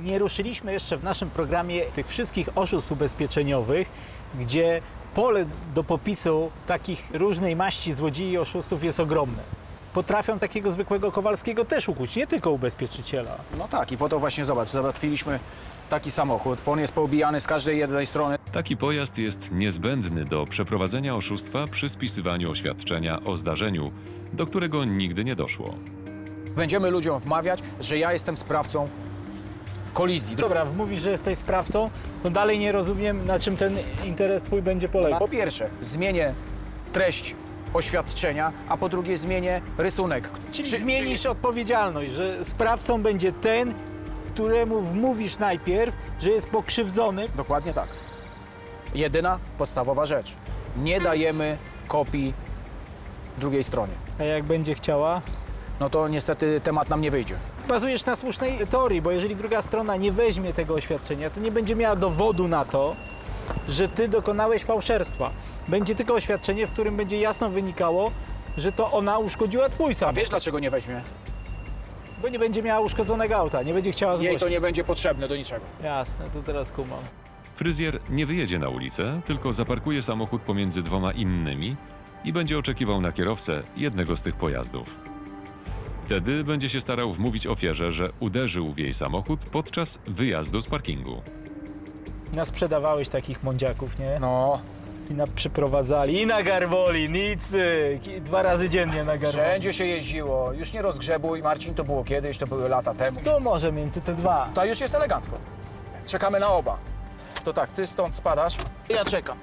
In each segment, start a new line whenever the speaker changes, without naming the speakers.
Nie ruszyliśmy jeszcze w naszym programie tych wszystkich oszustw ubezpieczeniowych, gdzie pole do popisu takich różnej maści złodziei i oszustów jest ogromne. Potrafią takiego zwykłego Kowalskiego też ukuć, nie tylko ubezpieczyciela.
No tak, i po to właśnie zobacz, załatwiliśmy taki samochód. On jest poobijany z każdej jednej strony.
Taki pojazd jest niezbędny do przeprowadzenia oszustwa przy spisywaniu oświadczenia o zdarzeniu, do którego nigdy nie doszło.
Będziemy ludziom wmawiać, że ja jestem sprawcą kolizji.
Dobra, mówisz, że jesteś sprawcą, to dalej nie rozumiem, na czym ten interes twój będzie polegał.
Po pierwsze, zmienię treść oświadczenia, a po drugie zmienię rysunek.
Czyli zmienisz odpowiedzialność, że sprawcą będzie ten, któremu wmówisz najpierw, że jest pokrzywdzony.
Dokładnie tak. Jedyna podstawowa rzecz. Nie dajemy kopii drugiej stronie.
A jak będzie chciała?
No to niestety temat nam nie wyjdzie.
Bazujesz na słusznej teorii, bo jeżeli druga strona nie weźmie tego oświadczenia, to nie będzie miała dowodu na to, że ty dokonałeś fałszerstwa. Będzie tylko oświadczenie, w którym będzie jasno wynikało, że to ona uszkodziła twój
A
samochód.
wiesz dlaczego nie weźmie?
Bo nie będzie miała uszkodzonego auta, nie będzie chciała
Jej
zgłosić.
to nie będzie potrzebne do niczego.
Jasne, to teraz kumam.
Fryzjer nie wyjedzie na ulicę, tylko zaparkuje samochód pomiędzy dwoma innymi i będzie oczekiwał na kierowcę jednego z tych pojazdów. Wtedy będzie się starał wmówić ofierze, że uderzył w jej samochód podczas wyjazdu z parkingu.
Nasprzedawałeś takich mądziaków, nie?
No,
I przyprowadzali, i na Garwoli, Nicy, 2 razy dziennie na Garwoli.
wszędzie się jeździło. Już nie rozgrzebuj, Marcin, to było kiedyś, to były lata temu.
To może między te dwa.
To już jest elegancko. Czekamy na oba. To tak, ty stąd spadasz, ja czekam.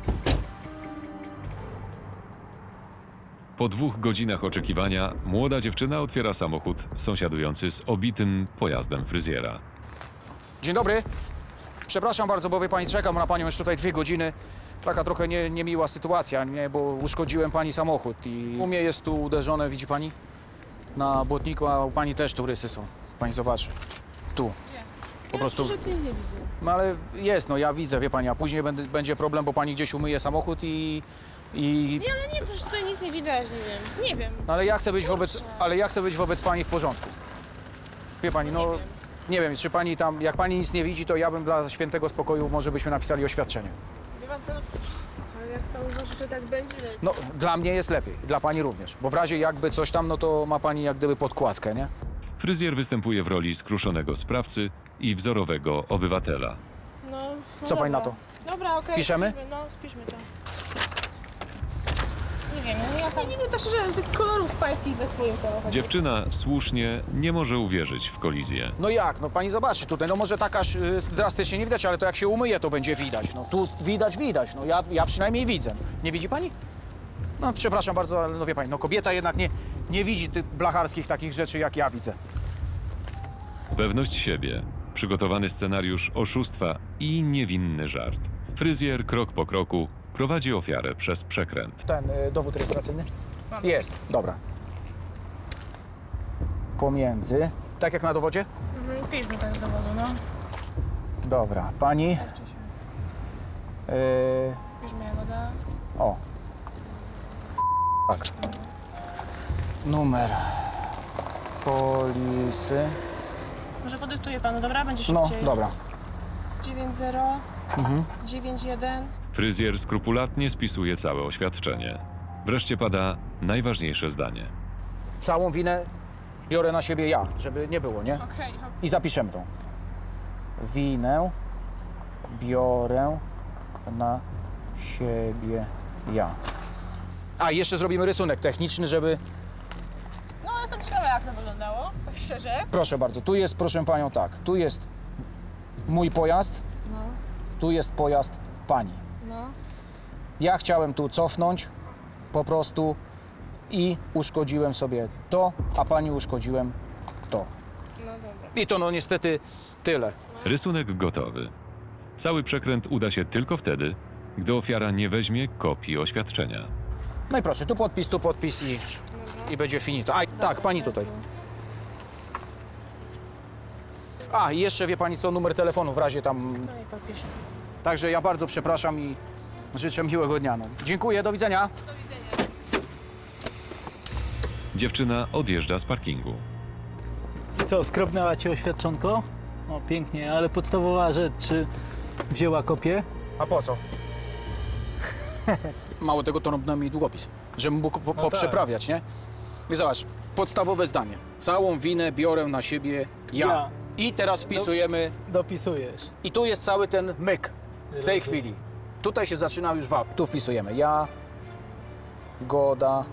Po 2 godzinach oczekiwania młoda dziewczyna otwiera samochód sąsiadujący z obitym pojazdem fryzjera.
Dzień dobry. Przepraszam bardzo, bo wie pani, czekam na panią już tutaj 2 godziny. Taka trochę niemiła sytuacja, nie? Bo uszkodziłem pani samochód i u mnie jest tu uderzone, widzi pani? Na błotniku, a u pani też tu rysy są. Pani zobaczy. Tu. Po prostu.
Ja nie widzę.
No ale jest, no ja widzę, wie pani, a później będzie problem, bo pani gdzieś umyje samochód i...
Nie, ale nie, przecież tutaj nic nie widać, nie wiem. Nie wiem.
No ale ja chcę być wobec pani w porządku. Wie pani, no... Nie wiem, czy pani tam, jak pani nic nie widzi, to ja bym dla świętego spokoju może byśmy napisali oświadczenie.
Wie pan co? No, ale jak pan uważa, że tak będzie?
No, dla mnie jest lepiej, dla pani również, bo w razie jakby coś tam, no to ma pani jak gdyby podkładkę, nie?
Fryzjer występuje w roli skruszonego sprawcy i wzorowego obywatela.
No,
Co pani na to?
Dobra, okej.
Piszemy?
Spiszmy, no, spiszmy to. Nie wiem, no ja tam nie widzę tak szczerze tych kolorów pańskich we swoim samochodzie.
Dziewczyna słusznie nie może uwierzyć w kolizję.
No jak? No pani zobaczy tutaj, no może tak aż drastycznie nie widać, ale to jak się umyje, to będzie widać. No tu widać, no ja przynajmniej widzę. Nie widzi pani? No przepraszam bardzo, ale no wie pani, no kobieta jednak nie widzi tych blacharskich takich rzeczy, jak ja widzę.
Pewność siebie, przygotowany scenariusz oszustwa i niewinny żart. Fryzjer krok po kroku prowadzi ofiarę przez przekręt.
Ten dowód rejestracyjny? Jest, dobra. Pomiędzy, tak jak na dowodzie?
Piszmy to z dowodu, no.
Dobra, pani...
Piszmy Jagoda.
O. Tak. Numer polisy.
Może podyktuje panu, dobra? Będzie
No,
szybciej.
dobra.
90 91.
Fryzjer skrupulatnie spisuje całe oświadczenie. Wreszcie pada najważniejsze zdanie.
Całą winę biorę na siebie ja, żeby nie było, nie?
Okej,
I zapiszemy to. Winę biorę na siebie ja. A, i jeszcze zrobimy rysunek techniczny, żeby...
No, jestem ciekawa, jak to wyglądało, tak szczerze.
Proszę bardzo, tu jest, proszę panią, tak. Tu jest mój pojazd,
No,
tu jest pojazd pani.
no.
Ja chciałem tu cofnąć po i uszkodziłem sobie to, a pani uszkodziłem to.
No dobra.
I to no niestety tyle.
Rysunek gotowy. Cały przekręt uda się tylko wtedy, gdy ofiara nie weźmie kopii oświadczenia.
No i proszę, tu podpis i będzie finito. A, tak, pani tutaj. A, i jeszcze wie pani co, numer telefonu w razie tam...
No i podpiszę.
Także ja bardzo przepraszam i życzę miłego dnia. No. Dziękuję, do widzenia.
Do widzenia.
Dziewczyna odjeżdża z parkingu.
I co, skrobnęła cię oświadczonko? O, pięknie, ale podstawowa rzecz, czy wzięła kopię?
A po co? Mało tego, to robił mi długopis, żebym mógł poprzeprawiać, nie? I zobacz, podstawowe zdanie. Całą winę biorę na siebie ja.
Ja.
I teraz wpisujemy,
Dopisujesz.
i tu jest cały ten myk w tej chwili. Tutaj się zaczyna już wap. Tu wpisujemy ja, Goda.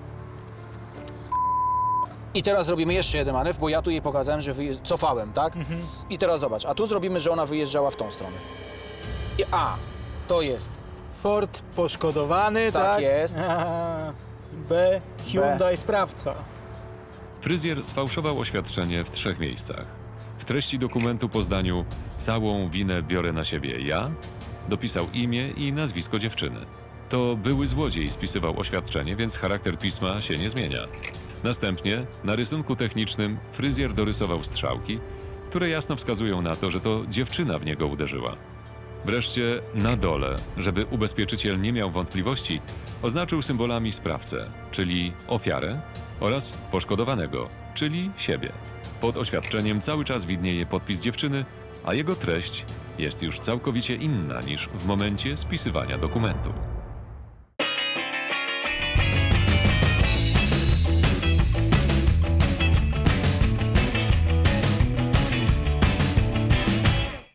I teraz zrobimy jeszcze jeden manewr, bo ja tu jej pokazałem, że cofałem, tak? I teraz zobacz, a tu zrobimy, że ona wyjeżdżała w tą stronę. I to jest
Ford poszkodowany, tak?
Tak jest.
B. Hyundai sprawca.
Fryzjer sfałszował oświadczenie w 3 miejscach. W treści dokumentu po zdaniu całą winę biorę na siebie ja, dopisał imię i nazwisko dziewczyny. To były złodziej spisywał oświadczenie, więc charakter pisma się nie zmienia. Następnie na rysunku technicznym fryzjer dorysował strzałki, które jasno wskazują na to, że to dziewczyna w niego uderzyła. Wreszcie na dole, żeby ubezpieczyciel nie miał wątpliwości, oznaczył symbolami sprawcę, czyli ofiarę, oraz poszkodowanego, czyli siebie. Pod oświadczeniem cały czas widnieje podpis dziewczyny, a jego treść jest już całkowicie inna niż w momencie spisywania dokumentu.